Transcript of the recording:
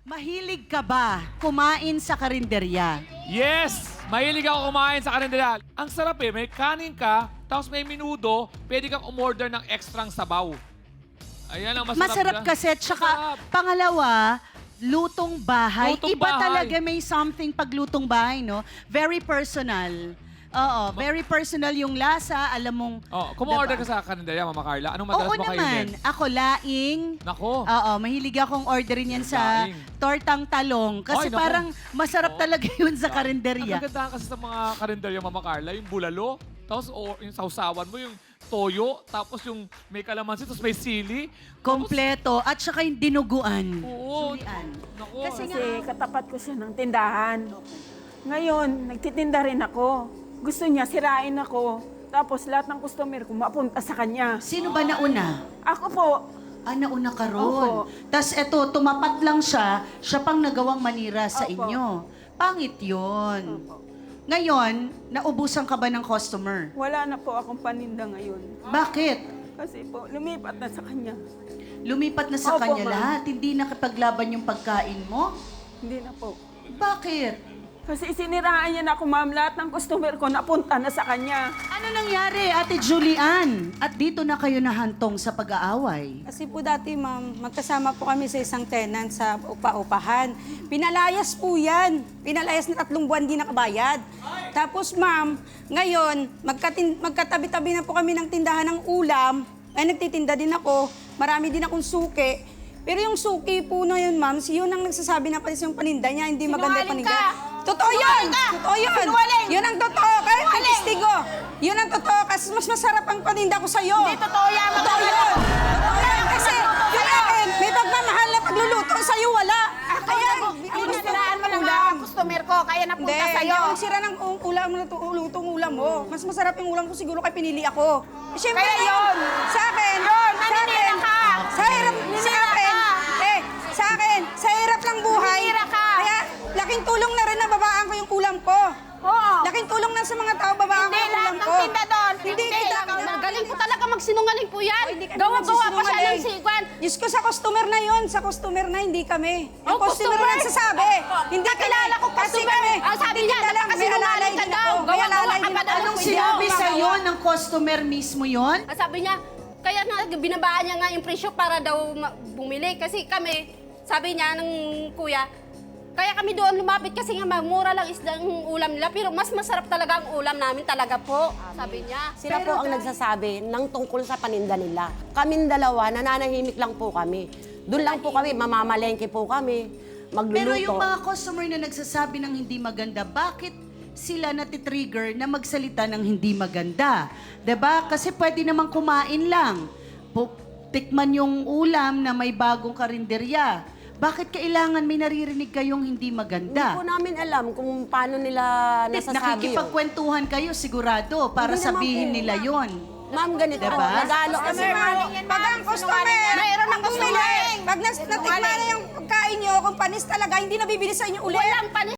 Mahilig ka ba kumain sa karinderya? Yes! Mahilig ako kumain sa karinderya. Ang sarap eh, may kanin ka, tapos may minudo, pwede kang umorder ng extrang sabaw. Ayan ang masarap. Masarap dyan. kasi, tsaka Masarap. pangalawa, lutong bahay. Lutong Iba bahay. talaga may something pag lutong bahay, no? Very personal. Oo, very personal yung lasa. Alam mong... Oh, kumorder diba? ka sa karinderya, Mama Carla. Anong madalas Oo mo naman. kainin? Ako, laing. Nako. Oo, mahilig akong orderin yan sa Laing. tortang talong. Kasi Ay, naku. parang masarap Oo. talaga yun sa Ang karinderya. kagandahan kasi sa mga karinderya, Mama Carla, yung bulalo, tapos yung sausawan mo, yung toyo, tapos yung may kalamansi, tapos may sili. Kompleto. At saka yung dinuguan. Oo. Sulian. Nako. Kasi Kasi katapat ko siya ng tindahan. Ngayon, nagtitinda rin ako. Gusto niya, sirain ako. Tapos lahat ng customer ko mapunta sa kanya. Sino ba nauna? Ako po, Nauna ka ron. Opo. Tapos eto, tumapat lang siya pang nagawang manira sa Opo. inyo. Pangit yun. Ngayon, naubusan ka ba ng customer? wala na po akong paninda ngayon. Bakit? Kasi po, lumipat na sa kanya. Lumipat na sa Opo, kanya ma'am. lahat. Hindi nakipaglaban yung pagkain mo? Hindi na po. Bakit? Kasi siniraan niya na ako, ma'am. Lahat ng customer ko napunta na sa kanya. Ano nangyari, Ate Julian? At dito na kayo nahantong sa pag-aaway. Kasi po dati, ma'am, magkasama po kami sa isang tenant sa upa-upahan. Pinalayas po yan. Pinalayas na 3 buwan di nakabayad. Tapos, ma'am, ngayon, magkatabi-tabi na po kami ng tindahan ng ulam. Ay, nagtitinda din ako. Marami din akong suki. Pero yung suki po na yun, ma'am, yun ang nagsasabi na pati yung paninda niya, hindi maganda yung paninda. Totoo yun! Totoo yun! Yun ang totoo! Kahit may testigo! Yun ang totoo kasi mas masarap ang paninda ko sa'yo. Hindi, totoo yan! Totoo yun! Totoo yan! Kasi yung akin, may pagmamahal na pagluluto, sa'yo wala. Kaya, Siniraan mo lang ang customer ko, kaya napunta hindi, sa'yo. yung sira ng ulam, lutong ulam mo. Mas masarap yung ulam ko siguro kay pinili ako. Eh, syempre Kaya na yun. Sa akin, naninira ka. sa hirap, sa akin, sa hirap lang buhay. Naninira ka. Kaya, laking tulong na rin na babaan ko yung ulam ko. Oo. Laking tulong na sa mga tao, babaan ko Hindi yung lahat ulam ng ko. tinda doon. Hindi kita. Galing po talaga magsinungaling po yan. Hindi kami Gawa-gawa pa siya ng magsisinungaling. sigwan. Diyos ko, sa customer na yun. Sa customer na, hindi kami. Yung Oh, customer customer? na nagsasabi. Hindi Kakilala ko Kasi customer. kami, Sabi niya, tinda lang, may napakasinungaling alalay ka din daw. ako. May Gawa-gawa alalay ka din pa ako. daw. Anong Hindi sinabi ako sa'yo ng customer mismo yon? Sabi niya, kaya nga binabaan niya nga yung presyo para daw bumili. Kasi kami, sabi niya ng kuya, kaya kami doon lumapit kasi nga mura lang isda ang ulam nila. Pero mas masarap talaga ang ulam namin talaga po. Sabi niya. Sila po ang nagsasabi ng tungkol sa paninda nila. Kaming dalawa, nananahimik lang po kami. Doon lang po kami, mamamalengke po kami, magluluto. Pero yung mga customer na nagsasabi ng hindi maganda, bakit sila natitrigger na magsalita ng hindi maganda? 'Di ba? Kasi pwede namang kumain lang. Tikman yung ulam na may bagong karinderya. Bakit kailangan may naririnig kayong hindi Hindi maganda? po namin alam kung paano nila nasasabi yun. Nakikipagkwentuhan kayo sigurado para Hindi naman sabihin po. nila yon. Ma'am, ganito. Diba? Nagalo Kasi kasi. pag ang customer, Mayroon ng bumili, customer. pag natikman na yung pagkain nyo, kung panis talaga, hindi na bibili sa inyo ulit. Walang panis.